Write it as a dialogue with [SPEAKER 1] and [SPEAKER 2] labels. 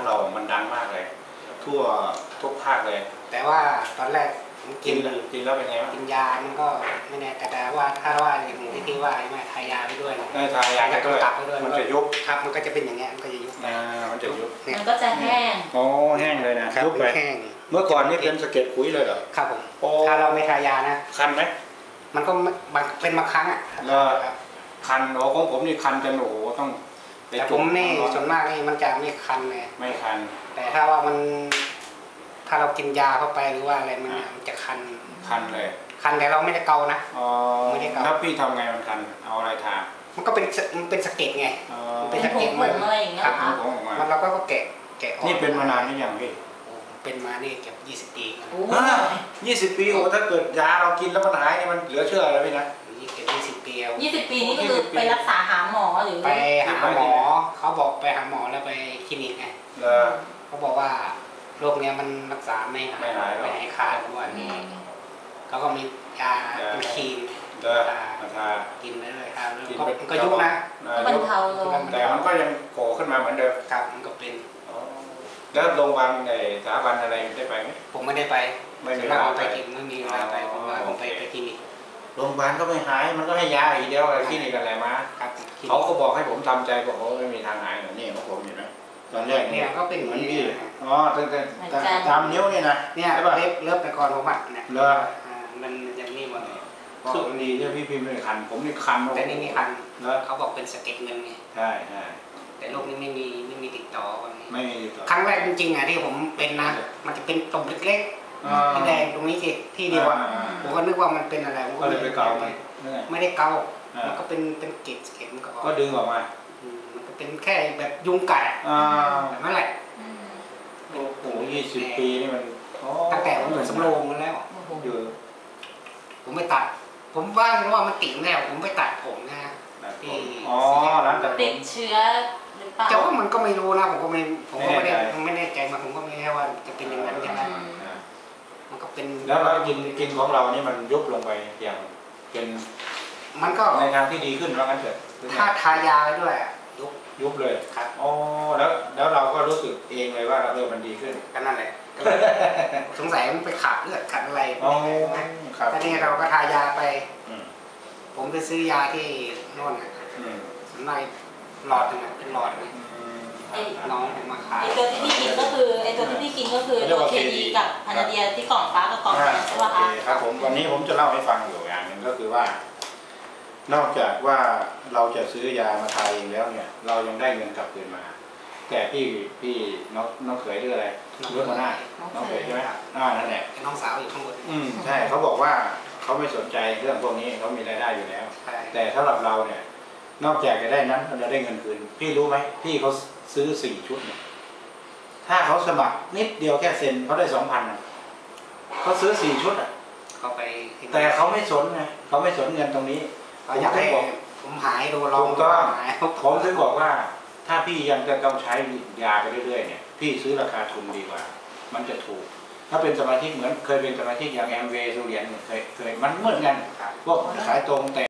[SPEAKER 1] เรามันดังมากเลยทั่วทุกภาคเลย
[SPEAKER 2] แต่ว่าตอนแรกกิน
[SPEAKER 1] แล้วเป็นไงบ้าง
[SPEAKER 2] กินยามันก็ไม่แน่แต่ว่าถ้าว่าอย่างที่ว่าไม่ทายาไปด้วย
[SPEAKER 1] ทายาไปด้วย
[SPEAKER 2] ตับไปด้วย
[SPEAKER 1] มันจะยุบ
[SPEAKER 2] ครับมันก็จะเป็นอย่างเงี้ยมันก็จะยุบ
[SPEAKER 1] มันจะยุบ
[SPEAKER 3] มันก็จะแห้ง
[SPEAKER 1] อ๋อแห้งเลยนะ
[SPEAKER 2] ยุบไปแห้ง
[SPEAKER 1] เมื่อก่อนนี่เป็นสะเก็ดขุยเลยเหรอ
[SPEAKER 2] ครับผมถ้าเราไม่ทายานะ
[SPEAKER 1] คันไหม
[SPEAKER 2] มันก็เป็นบางครั้งอ่ะ
[SPEAKER 1] คันโอ้ของผมนี่คันจนโอ้ต้อง
[SPEAKER 2] แต่ผมนี่ส่วนมากนี่มันจะไม่คันเลย
[SPEAKER 1] ไม่คัน
[SPEAKER 2] แต่ถ้าว่ามันถ้าเรากินยาเข้าไปหรือว่าอะไรมันจะคัน
[SPEAKER 1] เลย
[SPEAKER 2] คันแต่เราไม่ได้เกานะ
[SPEAKER 1] ไม่ได้เกาแล้วพี่ทำไงมันคันเอาอะไรทา
[SPEAKER 2] มันก็เป็นสะเก็ดไง
[SPEAKER 3] เป็นสะเก็ดมันอะไรอย่างเงี้ย
[SPEAKER 1] ครับ
[SPEAKER 2] มันเราก็แกะ
[SPEAKER 1] นี่เป็นมานานหรือยังพี่
[SPEAKER 2] เป็นมานี่เกือบ20 ปี
[SPEAKER 1] 20 ปีโอ้ถ้าเกิดยาเรากินแล้วมันหายนี่มันเหลือเชื่อแล้วพี่นะ
[SPEAKER 2] เกือบ20 ปี
[SPEAKER 3] 20 ปีนี่ก็คือไปรักษาหาหมอหรือ
[SPEAKER 2] ไปหาหมอเขาบอกไปหาหมอแล้วไปคลินิกไงเขาบอกว่าโรคนี้มันรักษาไม่หายขาดด้วยเขาก็มียาเป็นครีมกินไปเลยครับมันก็ยุบนะ
[SPEAKER 3] บรรเทาลง
[SPEAKER 1] แต่มันก็ยังโผล่ขึ้นมาเหมือนเดิม
[SPEAKER 2] ครับมันก็เป็น
[SPEAKER 1] แล้วโรงพยาบาลในสถาบันอะไรได้ไปไหม
[SPEAKER 2] ผมไม่ได้ไปไม่มีเวลาไปกินไม่มีเวลาไปผมว่าผมไปคลินิก
[SPEAKER 1] โรงพยาบาลก็ไม่หายมันก็ให้ยาอีกเดียวคลินิกอะไรมาเขาก็บอกให้ผมทำใจบอกว่าไม่มีทางหายเหมือนนี่ของผมอยู่นะตอนแรก
[SPEAKER 2] เนี่ยก็เป็นเหมือน
[SPEAKER 1] พี่แต่ตามนิ้วนี่นะ
[SPEAKER 2] เนี่ยเลิฟแต่ก่อนผมอ่ะเนี่ยมันยังนี่หมดเลย
[SPEAKER 1] สุดดีที่พี่พิมพ์ไม่คันผมนี่คัน
[SPEAKER 2] แต่นี่มีคันแล้วเขาบอกเป็นสะเก็ดเงินไง
[SPEAKER 1] ใช่
[SPEAKER 2] แต่โรคนี้ไม่มีติดต่อ
[SPEAKER 1] ไม่มีติดต่อ
[SPEAKER 2] ครั้งแรกจริงๆอ่ะที่ผมเป็นนะมันจะเป็นตุ่มเล็กๆที่แดงตรงนี้ที่เดียวผมก็นึกว่ามันเป็นอะไรผม
[SPEAKER 1] ก็เลยไปเกา
[SPEAKER 2] ไม่ได้เกามันก็เป็นเกล็ดมัน
[SPEAKER 1] ก็ดึงออกมา
[SPEAKER 2] มันก็เป็นแค่แบบยุงกัดแบบนั้นแหละ
[SPEAKER 1] โอ้โห20 ปีนี่มัน
[SPEAKER 2] ตั้งแต่ผมอยู่สำโรงมาแล้วผมไปตัดผมว่ามันติ่งแล้วผมไปตัดผมนะ
[SPEAKER 1] ที่ร้านตัด
[SPEAKER 3] ติดเชื้อหรือเปล่า
[SPEAKER 2] แต่ว่ามันก็ไม่รู้นะผมก็ไม่แน่ใจมาผมก็ไม่แน่ว่าจะเป็นอย่างนั้นใช่ไหมมันก็เป็น
[SPEAKER 1] แล้วเรากินของเรานี่มันยุบลงไปอย่างเป็น
[SPEAKER 2] มันก็
[SPEAKER 1] ในทางที่ดีขึ้นว่างั้นเถอะ
[SPEAKER 2] ถ้าทายาไปด้วย
[SPEAKER 1] ยุบเลยครับอ๋อแล้วเราก็รู้สึกเองเลยว่ามันดีขึ้น
[SPEAKER 2] ก็นั่นแหละสงสัยมันไปขาดเลือดขาดอะไรตอนนี้เราก็ทายาไปผมไปซื้อยาที่โน่นในหลอดนึงเป็นหลอดน้องมาขาย
[SPEAKER 3] ตัวที่พี่กินก็คือตัวเคดีกับพานาเดียที่กล่องฟ้ากับกล่องแดงใช่ป่ะคะ
[SPEAKER 1] ครับผมวันนี้ผมจะเล่าให้ฟังอยู่อย่างหนึ่งก็คือว่านอกจากว่าเราจะซื้อยามาทาเองแล้วเนี่ยเรายังได้เงินกลับคืนมาแต่พี่น้องเขยหรืออะไรเรื่องมาหน้าน้องเขยใช่ไหมนั่นแหละ
[SPEAKER 2] น้องสาวอยู่ข้างบน
[SPEAKER 1] ใช่เขาบอกว่าเขาไม่สนใจเรื่องพวกนี้เขามีรายได้อยู่แล้วแต่สำหรับเราเนี่ยนอกจากจะได้นั้นเราได้เงินคืนพี่รู้ไหมพี่เขาซื้อ4 ชุดเนี่ยถ้าเขาสมัครนิดเดียวแค่เซ็นเขาได้ 2,000เขาซื้อ4 ชุด
[SPEAKER 2] เขาไป
[SPEAKER 1] แต่เขาไม่สนไงเขาไม่สนเงินตรงนี้
[SPEAKER 2] อยากให้ผมหายโดนลอง
[SPEAKER 1] ก็ผมถึงบอกว่าถ้าพี่ยังจะต้องใช้ยาไปเรื่อยๆเนี่ยพี่ซื้อราคาทุนดีกว่ามันจะถูกถ้าเป็นสมาชิกเหมือนเคยเป็นสมาชิกอย่างแอมเวย์ซูเรียนเคยมันเหมือนกันพวกขายตรงแต่